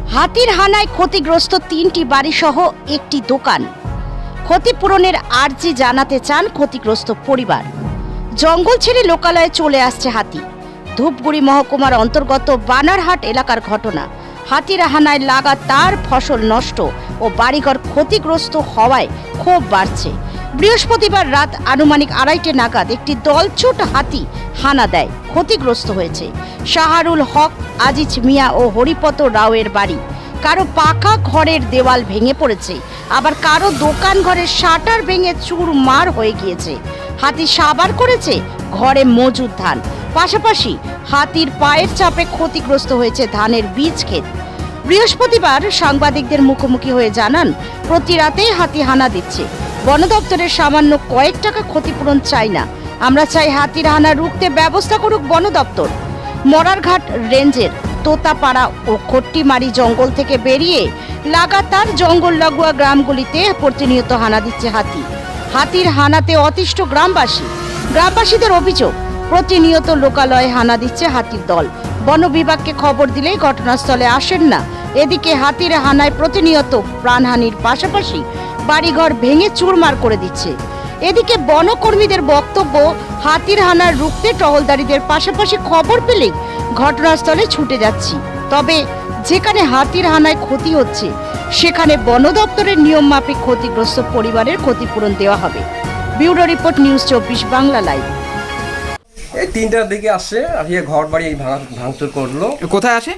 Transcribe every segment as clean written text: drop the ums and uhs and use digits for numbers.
হাতির হানায় ক্ষতিগ্রস্ত ৩টি বাড়িসহ একটি দোকান। ক্ষতিপূরণের আর্জি জানাতে চান ক্ষতিগ্রস্ত পরিবার। জঙ্গল ছেড়ে লোকালয়ে চলে আসছে হাতি। ধূপগুড়ি মহকুমার অন্তর্গত বানারহাট এলাকার ঘটনা। হাতির হানায় লাগাতার ফসল নষ্ট ও বাড়িঘর ক্ষতিগ্রস্ত হওয়ায় ক্ষোভ বাড়ছে। বৃহস্পতিবার রাত আনুমানিক 2:30 নাগাদ একটি দলছুট হাতি হানা দেয়। ক্ষতিগ্রস্ত হয়েছে শাহরুল হক, আজিজ মিয়া ও হরিপত রাওয়ের বাড়ি। কারো পাকা ঘরের দেওয়াল ভেঙে পড়েছে, আবার কারো দোকান ঘরের শাটার ভেঙে চুরমার হয়ে গিয়েছে। হাতি সাবার করেছে ঘরে মজুদ ধান, পাশাপাশি হাতির পায়ের চাপে ক্ষতিগ্রস্ত হয়েছে ধানের বীজ ক্ষেত। বৃহস্পতিবার সাংবাদিকদের মুখোমুখি হয়ে জানান, প্রতি রাতেই হাতি হানা দিচ্ছে। বন দপ্তরের সামান্য কয়েক টাকা ক্ষতিপূরণ চাই না, আমরা চাই হাতির হানা রুখতে ব্যবস্থা করুক বন দপ্তর। মরারঘাট রেঞ্জের তোতাপাড়া ও খট্টিমারি জঙ্গল থেকে বেরিয়ে লাগাতার জঙ্গল লাগোয়া গ্রামগুলিতে প্রতিনিয়ত হানা দিচ্ছে হাতি। হাতির হানাতে অতিষ্ঠ গ্রামবাসীদের অভিযোগ, প্রতিনিয়ত লোকালয়ে হানা দিচ্ছে হাতির দল। বন বিভাগকে খবর দিলেই ঘটনাস্থলে আসেন না। এদিকে হাতির হানায় প্রতিনিয়ত প্রাণহানির পাশাপাশি বাড়িঘর ভেঙে চুরমার করে দিচ্ছে। এদিকে বনকর্মীদের বক্তব্য, হাতির হানার রুখতে টহলদারিদের পাশাপাশি খবর পেলেই ঘটনাস্থলে ছুটে যাচ্ছি। তবে যেখানে হাতির হানায় ক্ষতি হচ্ছে সেখানে বন দপ্তরের নিয়ম মাফিক ক্ষতিগ্রস্ত পরিবারের ক্ষতিপূরণ দেওয়া হবে। Bureau report, news 24 Bangla live. এই 3টার দিকে আসছে, আসিয়ে ঘর বাড়ি এই ভাঙচুর করলো। কোথায় আসে?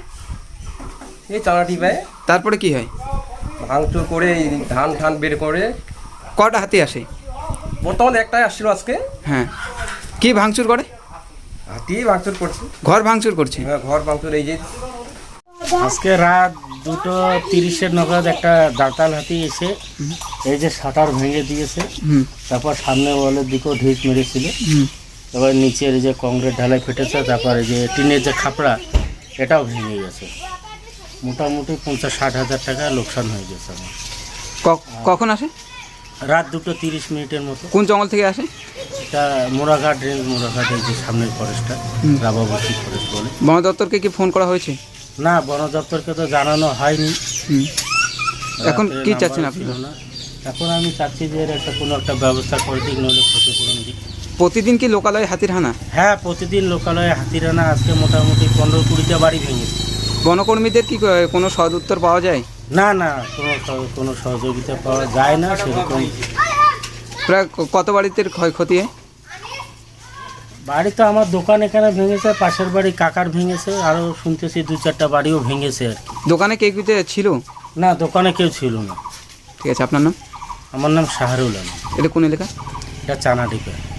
এই চালাটি পায়। তারপরে কি হয়? ভাঙচুর করে ধান ঠান বের করে। কটা হাতি আসে? বর্তমানে একটাই আসছিল আজকে। হ্যাঁ, কি ভাঙচুর করে? হাতি ভাঙচুর করছে, ঘর ভাঙচুর করছে। হ্যাঁ, ঘর ভাঙচুর। এই যে আজকে রাত 2:30 নাগাদ একটা দাঁতাল হাতি এসে এই যে শাটার ভেঙে দিয়েছে। তারপর সামনে ওয়ালের দিকেও ঢিস মেরেছিল। এবার নিচের যে কংক্রিট ঢালাই ফেটেছে, তারপর এই যে টিনের যে খাপড়া এটাও ভেঙে গেছে। মোটামুটি 50-60 হাজার টাকা লোকসান হয়ে গেছে আমার। কখন আসে? রাত 2:30 মতো। কোন জঙ্গল থেকে আসে? এটা মোরাঘাট রেঞ্জ, মোরাঘাট এই যে সামনের ফরেস্টটা, রাবাবতী ফরেস্ট বলে। বন দপ্তরকে কি ফোন করা হয়েছে? না, বন দপ্তরকে তো জানানো হয়নি। এখন কি চাচ্ছেন আপনি? এখন আমি চাচ্ছি যে এর কোনো একটা ব্যবস্থা করে দিক, নইলে ক্ষতিপূরণ দিক। প্রতিদিন কি লোকালয়ে হাতির হানা? হ্যাঁ, প্রতিদিন লোকালয়ে হাতির হানা। আজকে মোটামুটি 15-20টা বাড়ি ভেঙেছে। বনকর্মীদের কি কোনো সদ উত্তর পাওয়া যায়? না, কোনো সহযোগিতা পাওয়া যায় না সেরকম। প্রায় কত বাড়িতে ক্ষয়ক্ষতি হয়? বাড়ি তো আমার দোকান এখানে ভেঙেছে, পাশের বাড়ি কাকার ভেঙেছে, আরও শুনতেছি 2-4টা বাড়িও ভেঙেছে আর কি। দোকানে কে ছিল? না, দোকানে কেউ ছিল না। ঠিক আছে, আপনার নাম? আমার নাম শাহরুল আলম। এটা কোন এলাকা? এটা চানাডিপা।